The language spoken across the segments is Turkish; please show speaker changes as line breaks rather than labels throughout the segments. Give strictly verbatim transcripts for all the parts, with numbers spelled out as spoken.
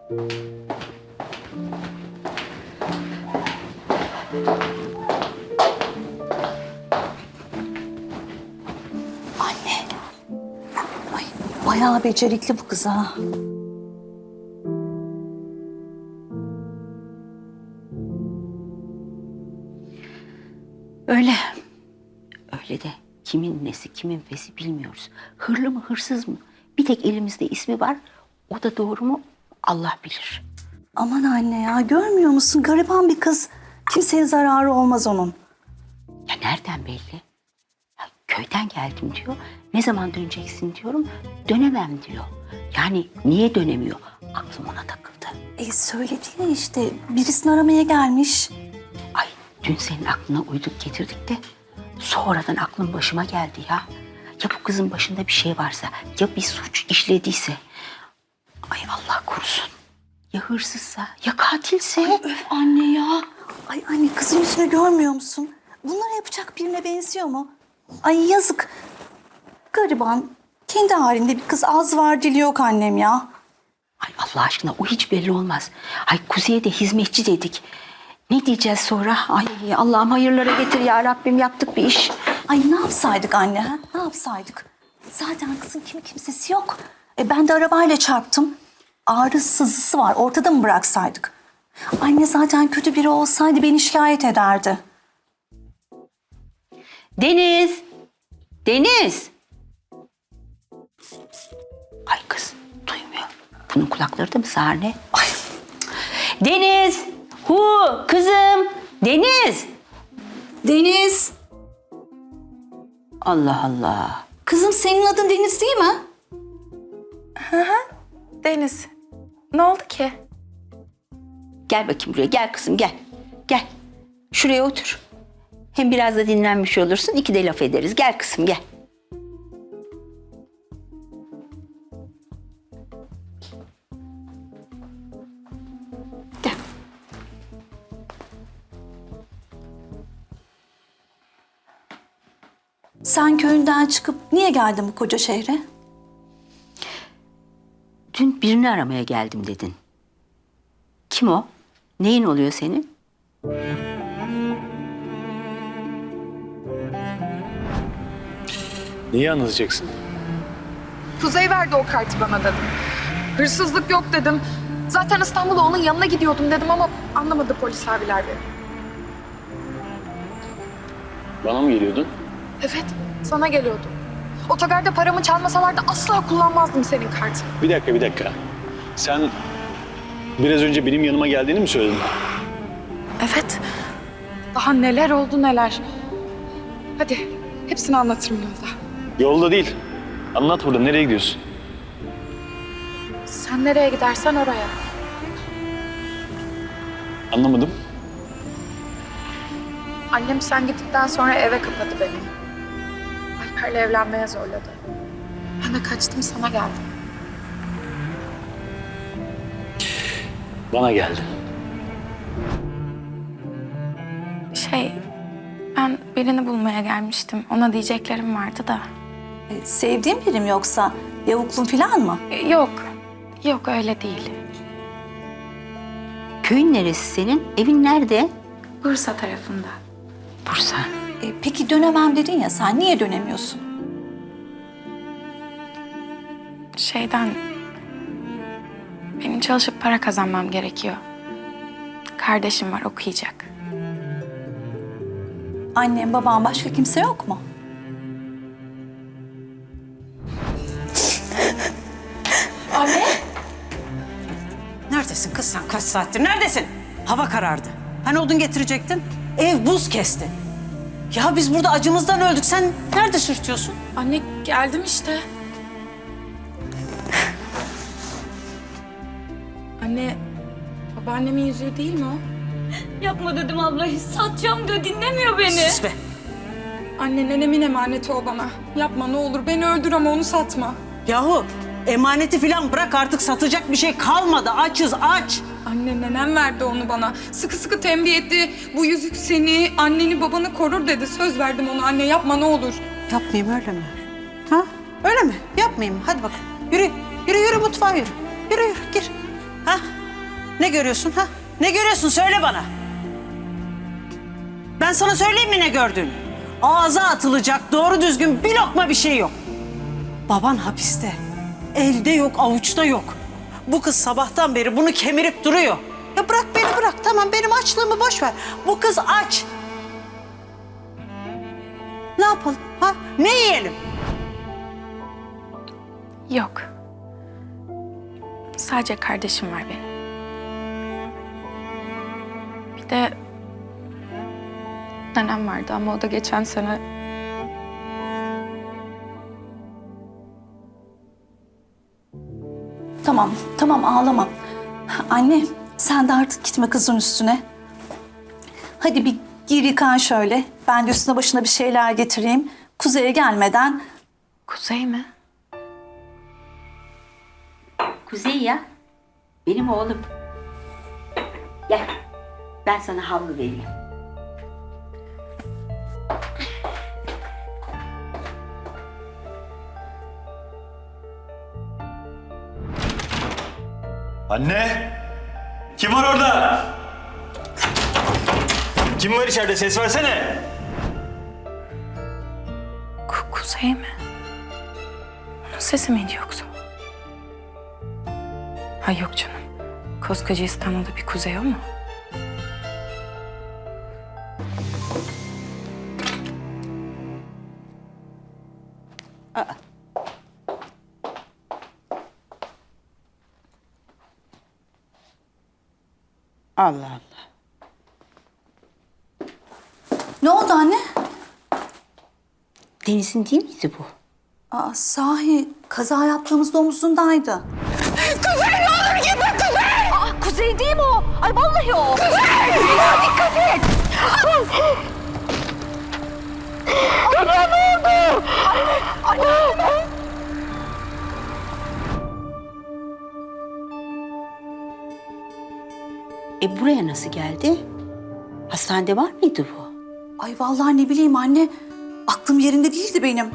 Anne. Ay, bayağı becerikli bu kız ha.
Öyle. Öyle de kimin nesi, kimin fesi bilmiyoruz. Hırlı mı, hırsız mı? Bir tek elimizde ismi var. O da doğru mu? Allah bilir.
Aman anne ya, görmüyor musun? Gariban bir kız. Kimseye zararı olmaz onun.
Ya nereden belli? Ya köyden geldim diyor. Ne zaman döneceksin diyorum. Dönemem diyor. Yani niye dönemiyor? Aklım ona takıldı.
E söyledi ya işte, birisini aramaya gelmiş.
Ay dün senin aklına uyduk getirdik de sonradan aklım başıma geldi ya. Ya bu kızın başında bir şey varsa, ya bir suç işlediyse. Ay Allah korusun. Ya hırsızsa, ya katilse.
Öf anne ya. Ay anne, kızın yüzünü görmüyor musun? Bunları yapacak birine benziyor mu? Ay yazık. Gariban, kendi halinde bir kız, az var dili yok annem ya.
Ay Allah aşkına o hiç belli olmaz. Ay Kuzey'e de hizmetçi dedik. Ne diyeceğiz sonra? Ay Allah'ım hayırlara getir ya Rabbim, yaptık bir iş.
Ay ne yapsaydık anne ha? Ne yapsaydık? Zaten kızın kimi kimsesi yok. E ben de arabayla çarptım. Ağrı sızısı var. Ortada mı bıraksaydık? Anne zaten kötü biri olsaydı beni şikayet ederdi.
Deniz! Deniz! Ay kız duymuyor. Bunun kulakları da mı sağır ne? Ay. Deniz! Hu! Kızım! Deniz!
Deniz!
Allah Allah.
Kızım senin adın Deniz değil mi?
Deniz, ne oldu ki?
Gel bakayım buraya. Gel kızım gel. Gel. Şuraya otur. Hem biraz da dinlenmiş olursun. İki de laf ederiz. Gel kızım gel. Gel.
Sen köyünden çıkıp niye geldin bu koca şehre?
Dün birini aramaya geldim dedin. Kim o? Neyin oluyor senin?
Neyi anlatacaksın?
Kuzey verdi o kartı bana dedim. Hırsızlık yok dedim. Zaten İstanbul'a onun yanına gidiyordum dedim ama anlamadı polis abiler beni.
Bana mı geliyordun?
Evet, sana geliyordum. Otogarda paramı çalmasalardı asla kullanmazdım senin kartını.
Bir dakika, bir dakika. Sen biraz önce benim yanıma geldiğini mi söyledin?
Evet. Daha neler oldu neler. Hadi, hepsini anlatırım yolda.
Yolda değil. Anlat burada. Nereye gidiyorsun?
Sen nereye gidersen oraya.
Anlamadım.
Annem sen gittikten sonra eve kapadı beni. Alper'le evlenmeye zorladı. Ben de kaçtım, sana geldim.
Bana geldi.
Şey, ben birini bulmaya gelmiştim. Ona diyeceklerim vardı da.
E, sevdiğin biri mi yoksa? Yavuklun falan mı?
E, Yok, yok öyle değil.
Köyün neresi senin? Evin nerede?
Bursa tarafında.
Bursa.
E, peki dönemem dedin ya, sen niye dönemiyorsun?
Şeyden... Benim çalışıp para kazanmam gerekiyor. Kardeşim var, okuyacak.
Annem, babam, başka kimse yok mu?
Neredesin kız sen? Kaç saattir neredesin? Hava karardı. Hani odun getirecektin? Ev buz kesti. Ya biz burada acımızdan öldük. Sen nerede sürtüyorsun?
Anne geldim işte. Anne, babaannemin yüzüğü değil mi o?
Yapma dedim abla, satacağım diyor, dinlemiyor beni.
Sus be.
Anne, nenemin emaneti o bana. Yapma ne olur, beni öldür ama onu satma.
Yahu emaneti falan bırak, artık satacak bir şey kalmadı. Açız aç.
Anne, nenem verdi onu bana. Sıkı sıkı tembih etti. Bu yüzük seni, anneni, babanı korur dedi. Söz verdim ona. Anne yapma ne olur.
Yapmayayım öyle mi? Ha? Öyle mi? Yapmayayım. Hadi bakalım. Yürü. Yürü yürü mutfağa yürü. Yürü yürü gir. Ha? Ne görüyorsun ha? Ne görüyorsun söyle bana. Ben sana söyleyeyim mi ne gördüğünü? Ağza atılacak doğru düzgün bir lokma bir şey yok. Baban hapiste. Elde yok, avuçta yok. Bu kız sabahtan beri bunu kemirip duruyor. Ya bırak beni bırak. Tamam benim açlığımı boş ver. Bu kız aç. Ne yapalım ha? Ne yiyelim?
Yok. Sadece kardeşim var benim. Bir de nenem vardı ama o da geçen sene
Tamam, tamam ağlama. Anne, sen de artık gitme kızın üstüne. Hadi bir gir yıkan şöyle. Ben de üstüne başına bir şeyler getireyim. Kuzey'e gelmeden...
Kuzey mi?
Kuzey ya. Benim oğlum. Gel. Ben sana havlu vereyim.
Anne! Kim var orada? Kim var içeride? Ses versene.
Ku- Kuzey mi? Onun sesi miydi yoksa? Ha yok canım. Koskoca İstanbul'da bir Kuzey o mu?
Allah Allah.
Ne oldu anne?
Deniz'in değil miydi bu?
Aa, sahi kaza yaptığımızda omuzundaydı.
Kuzey ne olur gitme Kuzey! Aa, Kuzey değil mi o? Ay vallahi o. Kuzey! Ya dikkat et! Anne ne oldu? Anne! Anne!
E buraya nasıl geldi? Hastanede var mıydı bu?
Ay vallahi ne bileyim anne. Aklım yerinde değildi benim.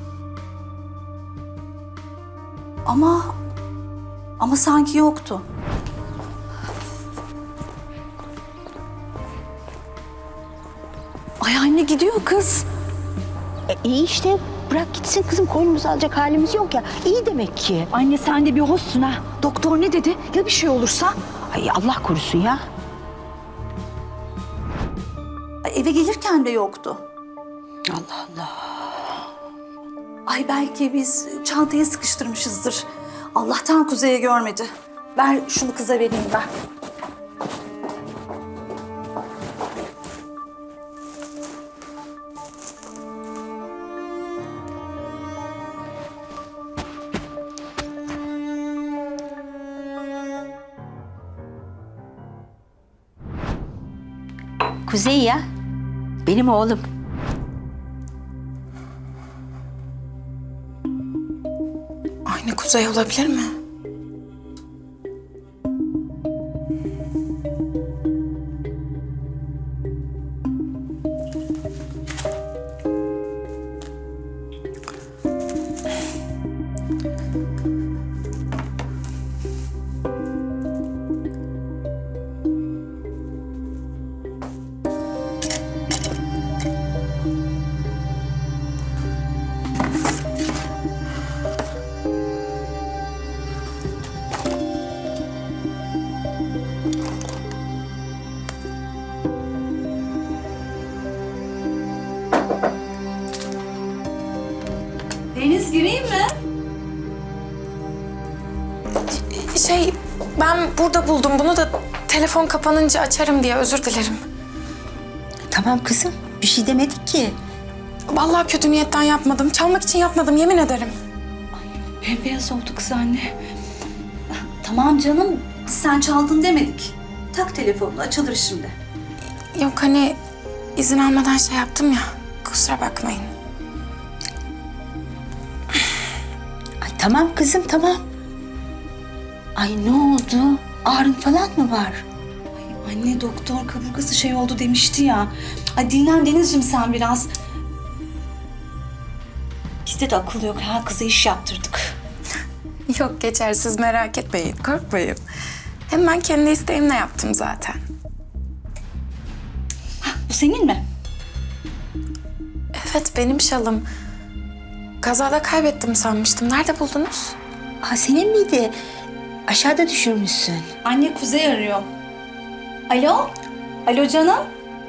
Ama... Ama sanki yoktu. Ay anne gidiyor kız.
E, iyi işte bırak gitsin kızım, koynumuzu alacak halimiz yok ya. İyi demek ki.
Anne sen de bir hoşsun ha. Doktor ne dedi? Ya bir şey olursa?
Ay Allah korusun ya.
Ay, eve gelirken de yoktu.
Allah Allah.
Ay belki biz çantaya sıkıştırmışızdır. Allah'tan Kuzey'e görmedi. Ver şunu kıza vereyim ben.
Kuzey ya. Benim oğlum.
Aynı Kuzey olabilir mi?
Deniz gireyim mi?
Şey, ben burada buldum bunu da telefon kapanınca açarım diye özür dilerim.
Tamam kızım, bir şey demedik ki.
Vallahi kötü niyetten yapmadım. Çalmak için yapmadım, yemin ederim.
Bembeyaz oldu kız anne. Tamam canım, sen çaldın demedik. Tak telefonunu, açılır şimdi.
Yok hani izin almadan şey yaptım ya. Kusura bakmayın.
Ay tamam kızım, tamam. Ay ne oldu? Ağrın falan mı var?
Anne doktor kaburgası şey oldu demişti ya. Ay dinlen Denizciğim sen biraz. Bizde de akıl yok ha, kıza iş yaptırdık.
Yok geçer, siz merak etmeyin, korkmayın. Hem ben kendi isteğimle yaptım zaten.
Bu senin mi?
Evet, benim şalım. Kazada kaybettim sanmıştım. Nerede buldunuz?
Ha senin miydi? Aşağıda düşürmüşsün.
Anne Kuzey arıyor. Alo? Alo canım?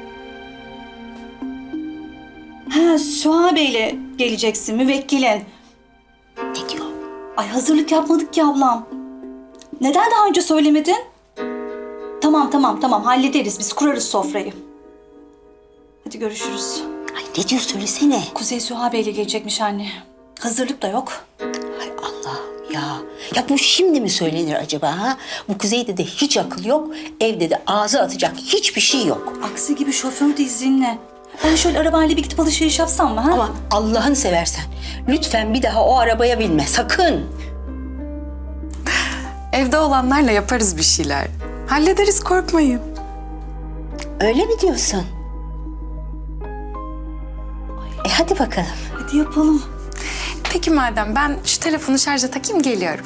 Ha Süha Bey'le geleceksin müvekkilin.
Ne diyor?
Ay hazırlık yapmadık ki ablam. Neden daha önce söylemedin? Tamam tamam tamam hallederiz biz kurarız sofrayı. Hadi görüşürüz.
Ay ne diyor söylesene.
Kuzey Süha Bey'le gelecekmiş anne. Hazırlık da yok.
Hay Allah'ım ya. Ya bu şimdi mi söylenir acaba ha? Bu Kuzey'de de hiç akıl yok. Evde de ağzı atacak hiçbir şey yok.
Aksi gibi şoför de izinle. Ben şöyle arabayla bir gidip alışveriş yapsam mı ha?
Ama Allah'ını seversen lütfen bir daha o arabaya binme sakın.
Evde olanlarla yaparız bir şeyler. Hallederiz, korkmayın.
Öyle mi diyorsun? E hadi bakalım.
Hadi yapalım.
Peki madem, ben şu telefonu şarja takayım, geliyorum.